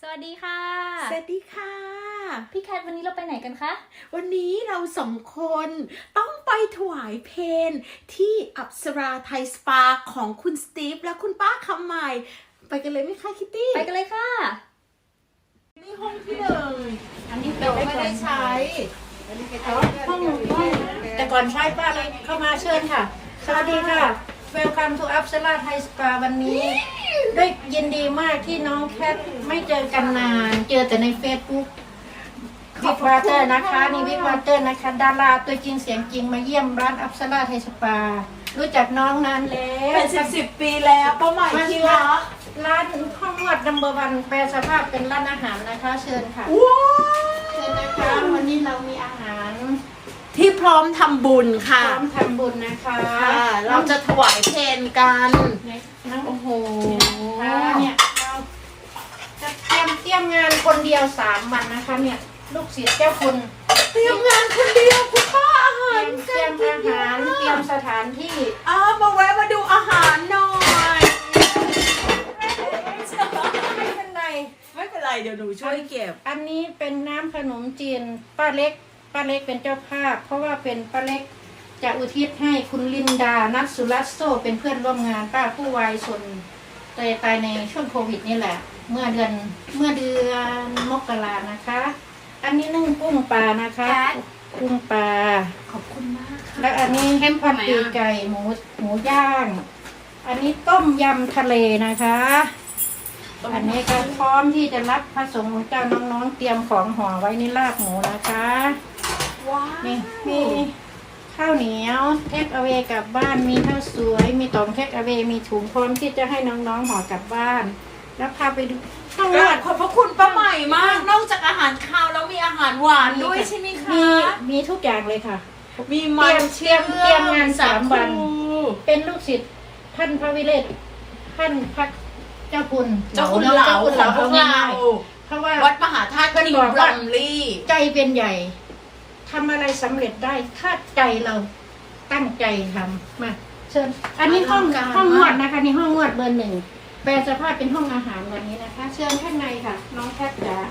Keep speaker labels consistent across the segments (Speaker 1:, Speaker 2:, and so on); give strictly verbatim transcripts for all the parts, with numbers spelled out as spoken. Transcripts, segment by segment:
Speaker 1: วัสดีค่ะ
Speaker 2: สวัสดีค่ะ
Speaker 1: พี่แคทวันนี้เราไปไหนกันคะ
Speaker 2: วันนี้เราสองคนต้องไปถวายเพลที่อัปสราไทยสปาของคุณสตีฟและคุณป้าคำใหม่ไปกันเลยไหมคะคิตตี้
Speaker 1: ไปกันเลยค่ะ
Speaker 2: นี่ห้องที่หนึ่ง
Speaker 3: อันนี้เป็
Speaker 2: เรา
Speaker 3: น
Speaker 2: ไม่ได้ใช้
Speaker 3: ห้องห้องแต่ก่อนใช้ป้าเลยเข้ามาเชิญค่ะ สวัสดีค่ะ Welcome to Apsara Thai Spa วันนี้ด้วยยินดีมากที่น้องแคทไม่เจอกันนาน เจอแต่ใน Facebook วิกวาเตอร์นะคะนี่วิกวาเตอร์นะคะดาราตัวจริงเสียงจริงมาเยี่ยมร้าน Apsara Thai Spa รู้จักน้องนานแล้ว
Speaker 2: เป็นสิบสิบปีแล้วป้าใหม่ที่รัก
Speaker 3: ร้านห้องนวดนัมเบอร์วันแปลสภาพเป็นร้านอาหารนะคะเชิญค่ะ
Speaker 2: ว้าว
Speaker 3: เชิญนะคะวันนี้เรามีอาหาร
Speaker 2: ที่พร้อมทำบุญ
Speaker 3: พ
Speaker 2: ค่ะ
Speaker 3: ร้อมทำบุญนะคะ
Speaker 2: ค่ะเราจะถวายเพลกัน
Speaker 3: น้อง
Speaker 2: โอ้โห
Speaker 3: เนี่ยเราจะเตรียมเตรียมงานคนเดียวสามวันนะคะเนี่ยลูกศิษย์เจ้าคุณ
Speaker 2: เตรียมงานคนเดียวคุณป้าอาหาร
Speaker 3: เตรียมเตรียมอาหารเตรียมสถานที่
Speaker 2: อ้าวมาแวะมาดูอาหารหน่อย
Speaker 3: ไม่เป็นไร
Speaker 2: ไม่เป็นไรเดี๋ยวหนูช่วยเก็บ
Speaker 3: อันนี้เป็นน้ำขนมจีนป้าเล็กป้าเล็กเป็นเจ้าภาพ เพราะว่าเป็นป้าเล็กจะอุทิศให้คุณลินดานัทสุรัสโซเป็นเพื่อนร่วมงานป้าผู้วายชนตายตายในช่วงโควิดนี่แหละ เมื่อเดือนเมื่อเดือนมกรานะคะ อันนี้นึ่งกุ้งปลานะคะกุ้งปลา
Speaker 2: ขอบคุณมากค่ะ
Speaker 3: แล้วอันนี้แฮมพอดปีกไก่หมูหมูย่าง อันนี้ต้มยำทะเลนะคะ อันนี้ก็พร้อมที่จะรับพระสงฆ์ของเจ้าน้องๆเตรียมของห่อไว้ในลาบหมูนะคะ
Speaker 2: ว้าว
Speaker 3: นี่มีข้าวเหนียวเทคเอาเวกลับบ้านมีข้าวสวยมีต๋องเทคเอาเวมีถุงพร้อมที่จะให้น้องๆห่อกลับบ้าน แล้วพาไปดูห้อง
Speaker 2: ก
Speaker 3: น
Speaker 2: ราว
Speaker 3: ด
Speaker 2: บขอบพระคุณป้าใหม่มาก นอกจากอาหารคาวแล้วมีอาหารหวานด้วยใช่ไหมคะ
Speaker 3: มีมีทุกอย่างเลยค่ะ
Speaker 2: มีมัน
Speaker 3: เตรียมเตรียมงานสามวัน
Speaker 2: สาคู
Speaker 3: เป็นลูกศิษย์ท่านพระวิเรศท่านพระเจ้าคุณ
Speaker 2: เจ้าคุณเหลา
Speaker 3: เจ้าคุณเหลา
Speaker 2: ของ
Speaker 3: เอา
Speaker 2: เรา
Speaker 3: ง่ายๆเพราะว่า
Speaker 2: วัดมหาธาตุนิมบลัมลี่
Speaker 3: ใจเป็นใหญ่ทำอะไรสำเร็จได้ถ้าใจเราตั้งใจทำมาเชิญอันนี้ห้องห้องนวดนะคะนี่ห้องนวดเบอร์หนึ่งแปลสภาพเป็นห้องอาหารวันนี้นะคะ เชิญข้างในค่ะ น้องแคทจ๋า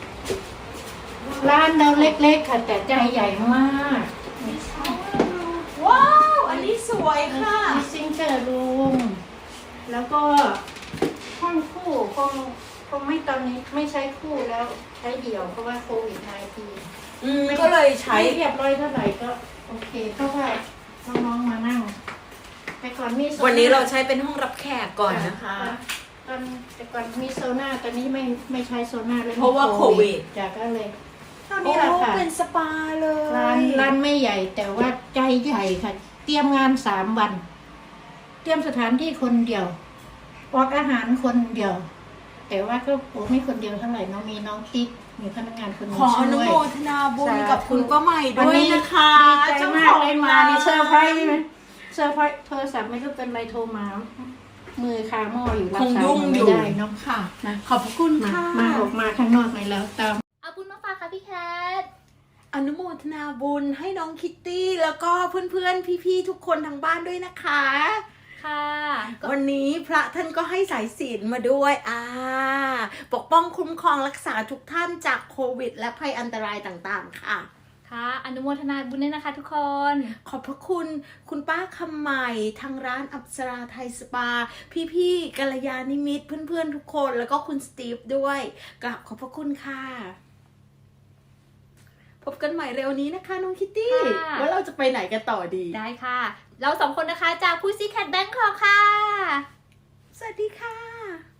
Speaker 3: ร้านเราเล็กๆค่ะแต่ใจใหญ่มาก
Speaker 2: ว้าว อันนี้สวยค่ะ
Speaker 3: มีซิงเกอร์รูมแล้วก็ห้องคู่คงคงไม่ตอนนี้ไม่ใช้คู่แล้วใช้เดี่ยวเพราะว่าโควิด สิบเก้า
Speaker 2: อืมก็เลยใช้
Speaker 3: ใช้เรียบร้อยเท่าไหร่ก็โอเคเพราะว่าน้องๆมานั่งแต่ก่อนมีโซ
Speaker 2: วันนี้เราใช้เป็นห้องรับแขกก่อนนะคะ
Speaker 3: ตอนแต่ก่อนมีโซน่าตอนนี้ไม่ไม่ใช้โซน่าเลย
Speaker 2: เพราะว่าโควิด
Speaker 3: จากก็เลยเท่า
Speaker 2: โอ้
Speaker 3: นี้แหละค่ะ
Speaker 2: เป็นสปาเลย
Speaker 3: ร้านร้านไม่ใหญ่แต่ว่าใจใหญ่ค่ะ เตรียมงานสามวัน เตรียมสถานที่คนเดียวออกอาหารคนเดียว แต่ว่าก็โอ้ไม่คนเดียวเท่าไหร่เน้องมีน้องติ๊กมีพนักงานคนหนึง
Speaker 2: ขออนุ
Speaker 3: ช่วย
Speaker 2: โมทนาบุญกับคุณป้าใหม่
Speaker 3: วัน
Speaker 2: ด้วย
Speaker 3: นี้
Speaker 2: นะคะ
Speaker 3: ดีใจมากเลยมานี่เซอร์ไพรส์ไหมเซอร์ไพรส์โทรศัพท์ไม่รู้เป็นไรโทรมา มือคาหม้ออยู่รับ
Speaker 2: คง
Speaker 3: สาย
Speaker 2: ยุ่ง
Speaker 3: ไม่
Speaker 2: อยู่
Speaker 3: ได้เนาะ
Speaker 2: ค่ะ
Speaker 3: นะ
Speaker 2: ขอบพระคุณ
Speaker 3: มา
Speaker 2: ค่ะ
Speaker 3: มาออกมาข้างนอกเลยแล้วตาม
Speaker 1: เอาบุญมาฝากค่ะพี่แคท
Speaker 2: อนุโมทนาบุญให้น้องคิตตี้แล้วก็เพื่อนๆ พี่ๆ ทุกคนทางบ้านด้วยนะคะ
Speaker 1: ค่ะก็
Speaker 2: วันนี้พระท่านก็ให้สายศีลมาด้วยอ่าปกป้องคุ้มครองรักษาทุกท่านจากโควิด และภัยอันตรายต่างๆ ค่ะ
Speaker 1: ค่ะอนุโมทนาบุญด้วยนะคะทุกคน
Speaker 2: ขอบพระคุณคุณป้าคำใหม่ทางร้านอัปสราไทยสปา พี่ๆกัลยาณิมิตรเพื่อนๆ ทุกคนแล้วก็คุณสตีฟด้วยกราบขอบพระคุณค่ะ พบกันใหม่เร็วนี้นะคะน้องคิตตี้
Speaker 1: ค่ะ
Speaker 2: ว่าเราจะไปไหนกันต่อดี
Speaker 1: ได้ค่ะ เราสองคนนะคะจากพูซี่แคทแบงคอกค่ะ
Speaker 2: สวัสดีค่ะ